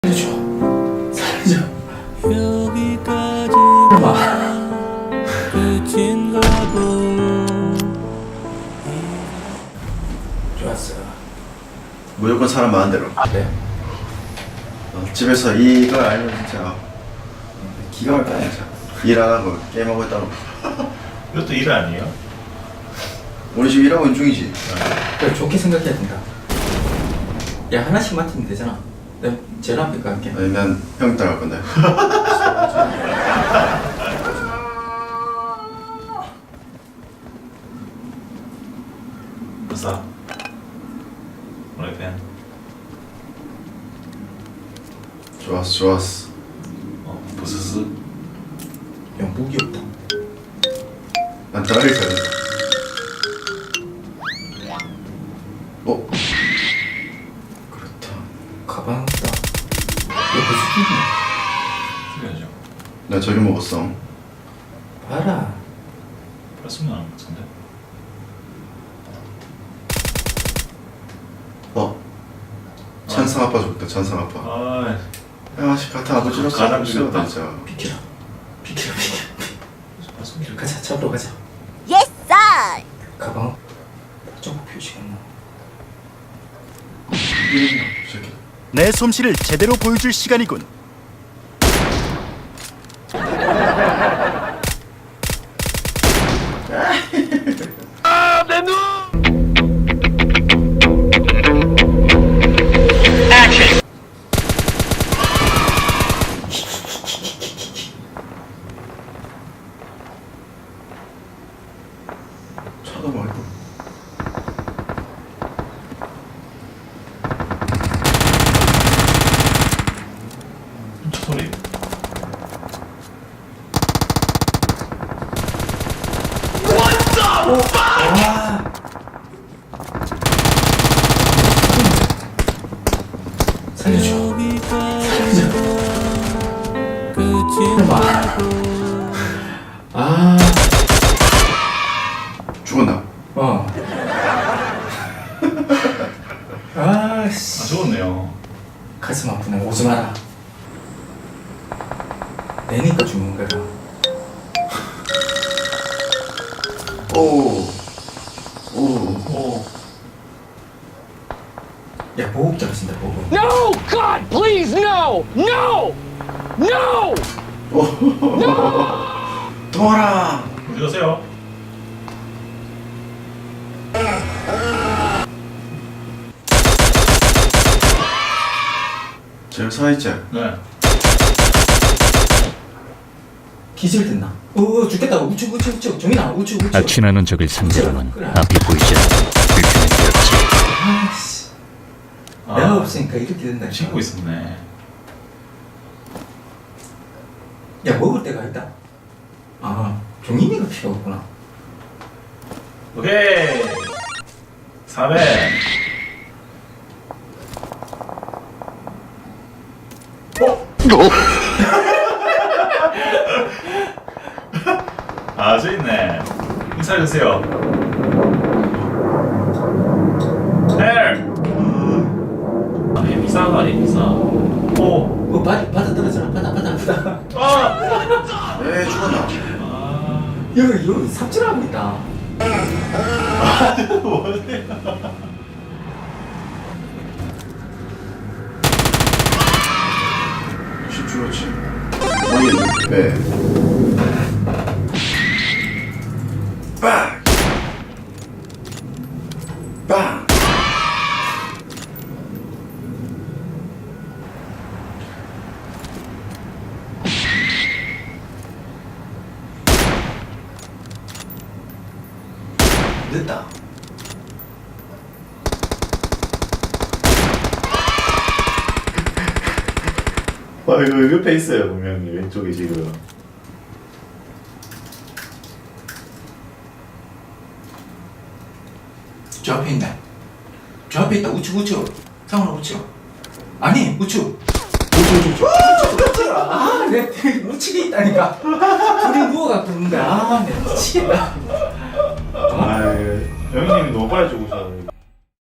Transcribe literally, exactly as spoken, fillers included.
살려줘. 살려줘. 여기까지 끝인가 보. 좋았어. 무조건 사람 많은 대로. 네. 어, 집에서 이걸 알면 진짜 기가 막히다 진짜. 일 안 하고 게임하고 있다고. 이것도 일 아니에요? 우리 지금 일하고 있는 중이지. 그래, 좋게 생각해야 된다. 야, 하나씩 맡으면 되잖아. 내가 제일 앞에 갈게. 아니 난 형 따라갈 건데. 아싸 프라이팬. 좋았어 좋았어. 어 부스스. 야, 무기 없다. 난 따라갈 거야. 어? 그렇다. 가방 없다. 옆에 스키네. 틀려야죠. 나 저기 먹었어. 봐라. 플러스면 하는 것 같은데. 어? 찬상 아빠 죽다 찬상 아빠. 아 야, 씨 같은 아버지로서 가장 싫어 죽였다. 진짜. 비켜라. 비켜라, 비켜라. 플러스면 가자, 잡으러 가자. Yes, sir. 가방. 저거 표시가 나. 이 새끼. 내 솜씨를 제대로 보여줄 시간이군. 차도 말고. 차 소리. 와. 살려줘. 여기까지 끝인가 보. 아. 죽었나? 어. 아, 아 씨. 죽었네요. 가슴 아프네. 오지 마라. 내니까 죽는 거야. 오. 오. 오. 야, 보급 떨어진다, 보급. No! God, please, no! No! No! 도와라. 어디 가세요? 제일 살아있지? 네. 기절됐나? 어, 죽겠다. 우측, 우측, 우측. 정인아, 우측, 우측. 악취나는 적을 상대로는 그래. 앞이 보이지 않아 불편해 보였지. 아씨. 아, 내가 없으니까 이렇게 된다. 친구 있었네. 야, 먹을 때가 있다. 아, 종인이가 필요 없구나. 오케이. 사백. 아, 저 있네. 인사해주세요. 헬! 아, 비싼 거 아니야, 비싸. 오! 어, 바다, 바다 떨어져라. 바다, 바다, 바다. 아! 에 죽었나? 아, 여기, 여기 삽질하고 있다. 십 죽었지. 머리 배. 빵. 빵. 늦다. 아, 이거 옆에 있어요, 분명히. 왼쪽에 지금. 저 앞에 있네. 저 앞에 있다. 우측, 우측. 상훈아, 우측. 아니, 우측. 우측, 우측, 우측. 우측. 아, 내 우측에 있다니까. 둘이 누워갖고 있는데. 아, 내 미치겠다. 아, 영희님이 너무 빨리 죽어.